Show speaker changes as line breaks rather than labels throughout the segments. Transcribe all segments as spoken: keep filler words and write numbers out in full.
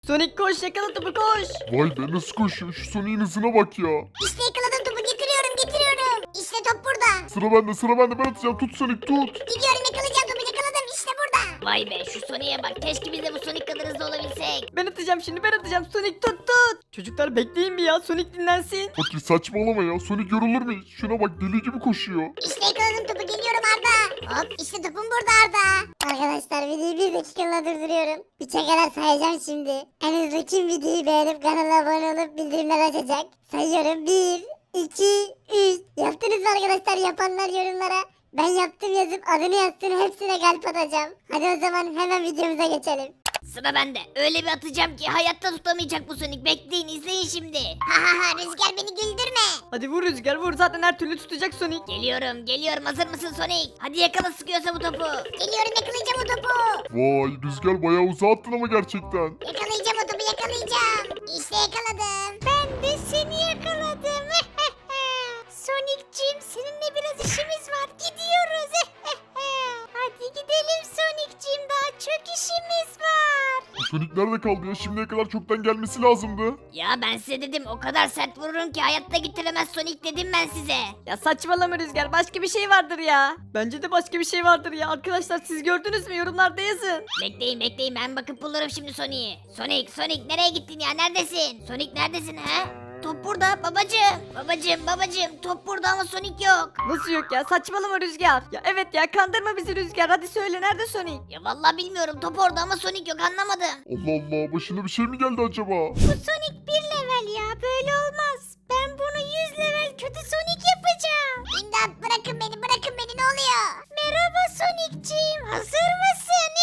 Sonic koş, yakala topu, koş.
Vay be nasıl koşuyor şu Sonic'in hızına bak ya.
İşte yakaladım topu, getiriyorum getiriyorum. İşte top burada.
Sıra bende sıra bende ben atacağım tut Sonic tut.
Gidiyorum, yakalayacağım topu, yakaladım, işte burada.
Vay be şu Sonic'e bak, keşke biz de bu Sonic kadar hızlı olabilsek.
Ben atacağım şimdi, ben atacağım. Sonic tut tut. Çocuklar bekleyin bir ya, Sonic dinlensin.
Fakir saçmalama ya Sonic yorulur mu hiç? Şuna bak deli gibi koşuyor.
İşte yakaladım topu, geliyorum Arda. Hop, işte topum burada Arda. Arkadaşlar videoyu bir dakikalığına durduruyorum. Üçe kadar sayacağım şimdi. En hızlı kim videoyu beğenip kanala abone olup bildirimler açacak? Sayıyorum. Bir, iki, üç. Yaptınız mı arkadaşlar? Yapanlar yorumlara ben yaptım yazıp adını yazsın, hepsine kalp atacağım. Hadi o zaman hemen videomuza geçelim.
Sıra bende. Öyle bir atacağım ki hayatta tutamayacak bu Sonic. Bekleyin, izleyin şimdi.
Ha ha ha, Rüzgar beni güldürme.
Hadi vur Rüzgar, vur, zaten her türlü tutacak Sonic.
Geliyorum geliyorum, hazır mısın Sonic? Hadi yakala sıkıyorsa bu topu.
Geliyorum, yakalayacağım o topu.
Vay Rüzgar bayağı uzağa attın ama gerçekten.
Yakalayacağım o topu, yakalayacağım. İşte yakaladım. Ben de seni yakaladım. Sonic'cim, seninle biraz işimiz var. Gidiyoruz. Hadi gidelim Sonic'cim, daha çok işimiz var.
Bu Sonic nerede kaldı ya şimdiye kadar çoktan gelmesi lazımdı.
Ya ben size dedim, o kadar sert vururum ki hayatta getiremez Sonic dedim ben size.
Ya saçmalama Rüzgar, başka bir şey vardır ya. Bence de başka bir şey vardır ya. Arkadaşlar siz gördünüz mü? Yorumlarda yazın.
Bekleyin bekleyin, ben bakıp bulurum şimdi Sonic'i. Sonic Sonic nereye gittin ya, neredesin? Sonic neredesin ha? Top burada babacığım. Babacığım babacığım, top burada ama Sonic yok.
Nasıl yok ya? Saçmalama Rüzgar. Ya evet ya, kandırma bizi Rüzgar. Hadi söyle, nerede Sonic?
Ya vallahi bilmiyorum, top orada ama Sonic yok, anlamadım.
Allah Allah başına bir şey mi geldi acaba?
Bu Sonic bir level ya, böyle olmaz. Ben bunu yüz level kötü Sonic yapacağım. İmdat, bırakın beni, bırakın beni, ne oluyor? Merhaba Sonic'ciğim, hazır mısın?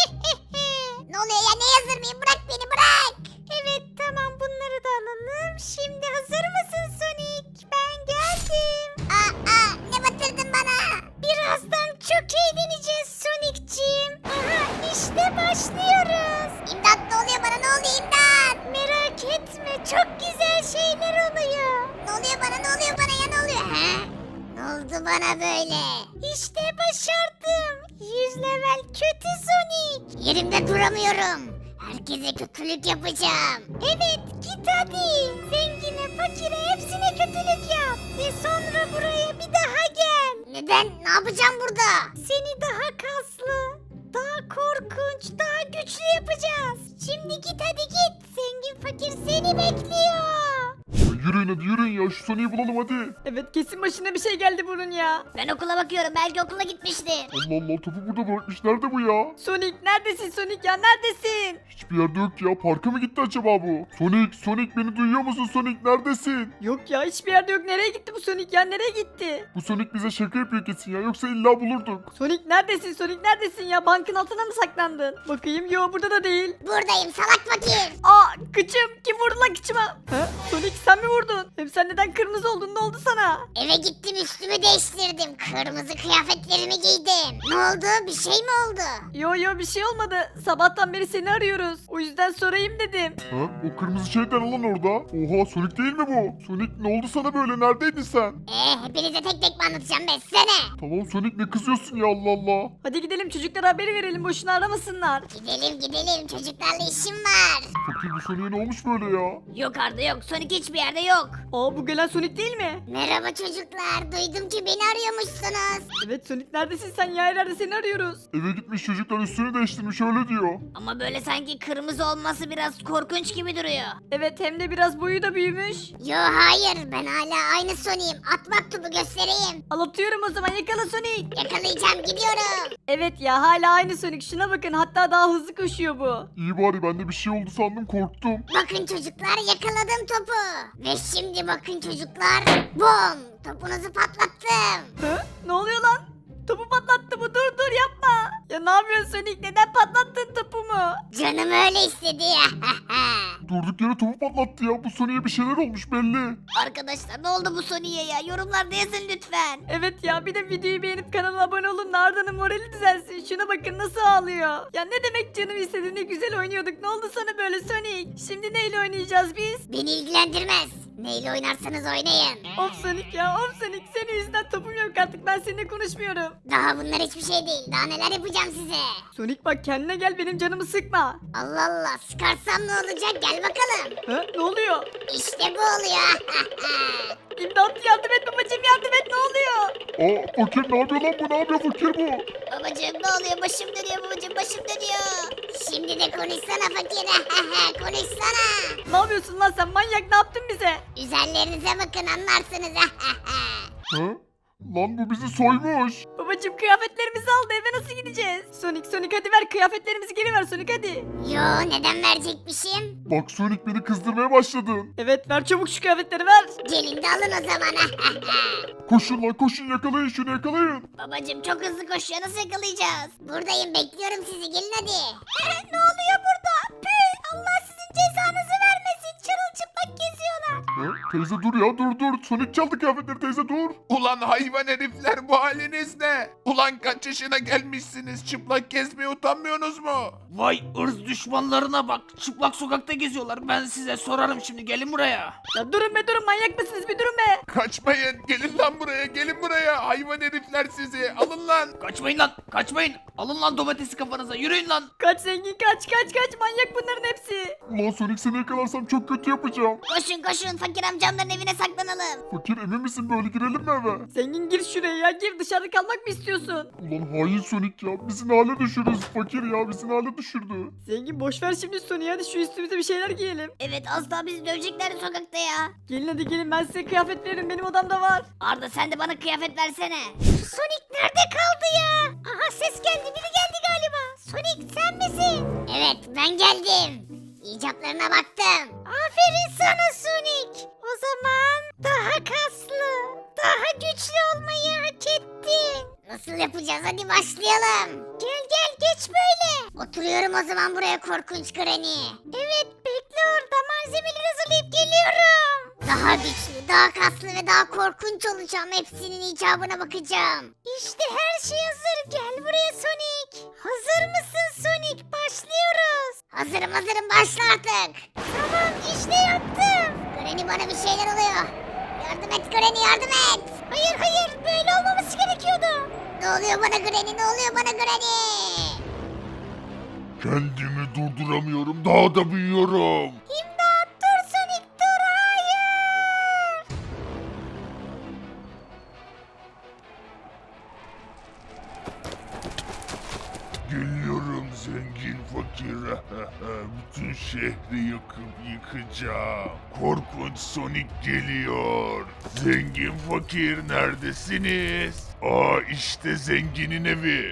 Ne oluyor ya, ne hazır mıyım? Bırak beni, bırak. Evet tamam, bunları da alalım. Şimdi hazır mısın Sonic? Ben geldim. Aa, aa, ne batırdın bana? Birazdan çok eğleneceğiz Sonic'ciğim. Aha, işte başlıyoruz. İmdat, ne oluyor bana, ne oluyor imdat? Merak etme, çok güzel şeyler oluyor. Ne oluyor bana, ne oluyor bana ya, ne oluyor? He? Ne oldu bana böyle? İşte başardım. yüz level kötü Sonic. Yerimde duramıyorum. Herkese kötülük yapacağım. Evet, git hadi. Zengine, fakire, hepsine kötülük yap. Ve sonra buraya bir daha gel. Neden? Ne yapacağım burada? Seni daha kaslı, daha korkunç, daha güçlü yapacağız. Şimdi git hadi git. Zengin fakir seni bekliyor.
Ya yürüyün hadi yürüyün ya şu Sonic'i bulalım hadi.
Evet, kesin başına bir şey geldi bunun ya.
Ben okula bakıyorum, belki okula gitmiştir.
Allah Allah topu burada bırakmış nerede bu ya?
Sonic neredesin Sonic ya, neredesin?
Hiçbir yerde yok ya parka mı gitti acaba bu? Sonic Sonic beni duyuyor musun Sonic neredesin?
Yok ya, hiçbir yerde yok. Nereye gitti bu Sonic ya, nereye gitti?
Bu Sonic bize şaka yapıyor kesin ya yoksa illa bulurduk.
Sonic neredesin Sonic, neredesin ya? Bankın altına mı saklandın? Bakayım, yo burada da değil.
Buradayım salak fakir.
Aa, kıçım, kim vurdu lan kıçıma? Ha? Sonic sen mi vurdun? Hem sen neden kırmızı oldun, ne oldu sana?
Eve gittim, üstümü değiştirdim. Kırmızı kıyafetlerimi giydim. Ne oldu? Bir şey mi oldu?
Yo yo, bir şey olmadı. Sabahtan beri seni arıyoruz. O yüzden sorayım dedim.
Ha o kırmızı şeyden lan orada. Oha Sonic değil mi bu? Sonic ne oldu sana böyle neredeydin sen?
Ee, hepinize tek tek mi anlatacağım ben size ne?
Tamam Sonic ne kızıyorsun ya Allah Allah.
Hadi gidelim, çocuklara haberi verelim, boşuna aramasınlar.
Gidelim gidelim, çocuklarla işim var.
Fakir bu Sonic'e ne olmuş böyle ya?
Yok Arda yok, Sonic hiçbir yerde yok.
Aa, bu gelen Sonic değil mi?
Merhaba çocuklar, duydum ki beni arıyormuşsunuz.
Evet Sonic, neredesin sen ya, her yerde seni arıyoruz.
Eve gitmiş çocuklar üstünü değiştirmiş öyle diyor.
Ama böyle sanki kırmızı olması biraz korkunç gibi duruyor.
Evet, hem de biraz boyu da büyümüş.
Yo hayır, ben hala aynı Sonic'im. At maktubu göstereyim.
Alıyorum o zaman, yakala Sonic.
Yakalayacağım, gidiyorum.
Evet ya, hala aynı Sonic, şuna bakın, hatta daha hızlı koşuyor bu.
İyi bari ben de bir şey oldu sandım korktum.
Bakın çocuklar, yakaladım topu. Ve şimdi bakın çocuklar, bom, topunuzu patlattım.
Hı? Ne oluyor lan? Topu patlattı bu, dur dur yapma. Ya ne yapıyorsun Sonic, neden patlattın topumu?
Canım öyle istedi ya.
Durduk yere topu patlattı ya bu Sonic'e bir şeyler olmuş belli.
Arkadaşlar ne oldu bu Sonic'e ya? Yorumlarda yazın lütfen.
Evet ya, bir de videoyu beğenip kanala abone olun da Arda'nın morali düzelsin. Şuna bakın nasıl ağlıyor. Ya ne demek canım istedi, ne güzel oynuyorduk. Ne oldu sana böyle Sonic? Şimdi neyle oynayacağız biz?
Beni ilgilendirmez. Neyle oynarsanız oynayın.
Of Sonic ya of Sonic, senin yüzünden topum yok artık, ben seninle konuşmuyorum.
Daha bunlar hiçbir şey değil. Daha neler yapacağım size.
Sonic bak kendine gel, benim canımı sıkma.
Allah Allah, sıkarsam ne olacak, gel bakalım.
Ha, ne oluyor?
İşte bu oluyor.
İmdat, yardım et babacım, yardım et, ne oluyor?
Aa fakir ne yapıyor lan bu? Ne yapıyor fakir bu?
Babacım ne oluyor? Başım dönüyor babacım, başım dönüyor.
Şimdi de konuşsana fakir. Konuşsana.
Ne yapıyorsun lan sen, manyak, ne yaptın bize?
Üzerlerinize bakın, anlarsınız.
Ha? Lan bu bizi soymuş.
Babacım kıyafetlerimizi aldı, eve nasıl gideceğiz? Sonic Sonic hadi ver kıyafetlerimizi, geri ver Sonic hadi.
Yo, neden verecekmişim?
Bak Sonic beni kızdırmaya başladın.
Evet ver çabuk şu kıyafetleri ver.
Gelin de alın o zaman.
Koşun lan koşun, yakalayın şunu, yakalayın.
Babacım çok hızlı koşuyor, nasıl yakalayacağız?
Buradayım, bekliyorum sizi, gelin hadi.
Ne oluyor burada? Püh, Allah sizin cezanızı vermesin. Çırılçıplak geziyorlar.
Ha? Teyze dur ya, dur dur. Sonic çaldı kıyafetleri, teyze dur.
Ulan hayvan herifler, bu haliniz ne? Ulan kaç yaşına gelmişsiniz, çıplak gezmeye utanmıyorsunuz mu?
Vay ırz düşmanlarına bak. Çıplak sokakta geziyorlar. Ben size sorarım şimdi. Gelin buraya.
Ya durun be durun, manyak mısınız, bir durun be.
Kaçmayın, gelin lan buraya, gelin buraya. Hayvan herifler sizi, alın lan.
Kaçmayın lan. Kaçmayın. Alın lan domatesi kafanıza. Yürüyün lan.
Kaç zengin kaç kaç kaç, manyak bunların hepsi.
Ulan Sonic seni yakalarsam çok kötü yapacağım.
Koşun koşun, fakir amcamların evine saklanalım.
Fakir emin misin, böyle girelim mi eve?
Zengin gir şuraya ya, gir, dışarıda kalmak mı istiyorsun?
Ulan hain Sonic ya, bizi ne hale düşürürüz, fakir ya bizi ne hale düşürdü.
Zengin boş ver şimdi Sonic'i, hadi şu üstümüze bir şeyler giyelim.
Evet, az daha bizi döveceklerdi sokakta ya.
Gelin hadi gelin, ben size kıyafet veririm, benim odamda var.
Arda sen de bana kıyafet versene.
Sonic nerede kaldı ya? Aha, ses geldi, biri geldi galiba. Sonic sen misin? Evet, ben geldim. İcaplarına baktım. Aferin sana Sonic. O zaman daha kaslı, daha güçlü olmayı hak ettin. Nasıl yapacağız? Hadi başlayalım. Gel gel, geç böyle. Oturuyorum o zaman buraya, korkunç Granny. Evet, bekle orada, malzemeleri hazırlayıp geliyorum. Daha güçlü, daha kaslı ve daha korkunç olacağım. Hepsinin icabına bakacağım. İşte her şey hazır. Gel buraya Sonic. Hazır mısın Sonic? Başlıyoruz. Hazırım hazırım, başla artık. Tamam, işte yaptım. Granny, bana bir şeyler oluyor. Yardım et Granny, yardım et. Hayır hayır, böyle olmaması gerekiyordu. Ne oluyor bana Granny, ne oluyor bana Granny?
Kendimi durduramıyorum, daha da büyüyorum.
İmdat, dur Sonic, dur, hayır.
Geliyorum zengin fakir. Bütün şehri yakıp yıkacağım. Korkunç Sonic geliyor. Zengin fakir neredesiniz? Aa işte zenginin evi.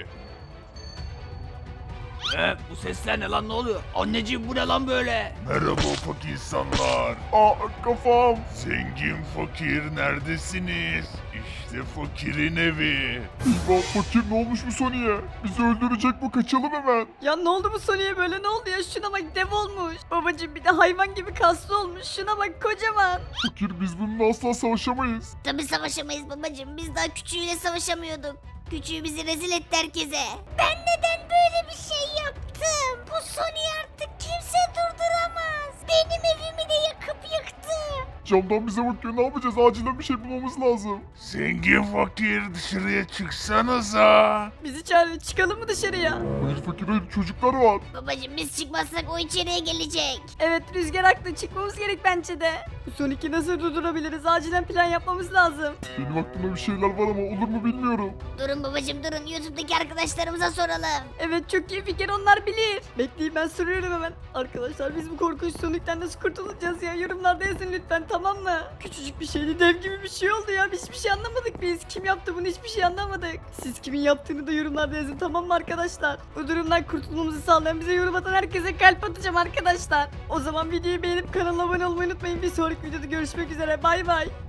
He, bu sesler ne lan, ne oluyor? Anneciğim bu ne lan böyle?
Merhaba ufak insanlar. Aa kafam. Zengin fakir neredesiniz? İşte fakirin evi. İmam fakir, ne olmuş bu Sonic'e? Bizi öldürecek bu, kaçalım hemen.
Ya ne oldu bu Sonic'e böyle, ne oldu ya, şuna bak, dev olmuş. Babacım bir de hayvan gibi kaslı olmuş, şuna bak, kocaman.
Fakir, biz bununla asla savaşamayız.
Tabi savaşamayız babacım, biz daha küçüğüyle savaşamıyorduk. Küçüğü bizi rezil etti herkese.
Ben neden böyle bir şey yaptım? Bu Sony artık kimse durduramaz. Benim evimi de yakıp yıktı.
Camdan bize bakıyor, ne yapacağız? Acilen bir şey bulmamız lazım. Zengin fakir, dışarıya çıksanıza.
Bizi çağırın, çıkalım mı dışarıya?
Hayır fakir, hayır, çocuklar var.
Babacım biz çıkmazsak o içeriye gelecek.
Evet Rüzgar haklı, çıkmamız gerek bence de. Bu Sonic'i nasıl durdurabiliriz, acilen plan yapmamız lazım.
Benim aklımda bir şeyler var ama olur mu bilmiyorum.
Durun babacım durun, YouTube'daki arkadaşlarımıza soralım.
Evet çok iyi fikir, onlar bilir. Bekleyin ben soruyorum hemen. Arkadaşlar biz bu korkunç Sonic'ten nasıl kurtulacağız ya, yorumlarda yazın lütfen, tamam mı? Küçücük bir şeydi, dev gibi bir şey oldu ya, hiçbir şey anlamadık biz. Kim yaptı bunu, hiçbir şey anlamadık. Siz kimin yaptığını da yorumlarda yazın, tamam mı arkadaşlar? Bu durumdan kurtulmamızı sağlayan, bize yorum atan herkese kalp atacağım arkadaşlar. O zaman videoyu beğenip kanala abone olmayı unutmayın. Bir sonraki videoda görüşmek üzere, bay bay.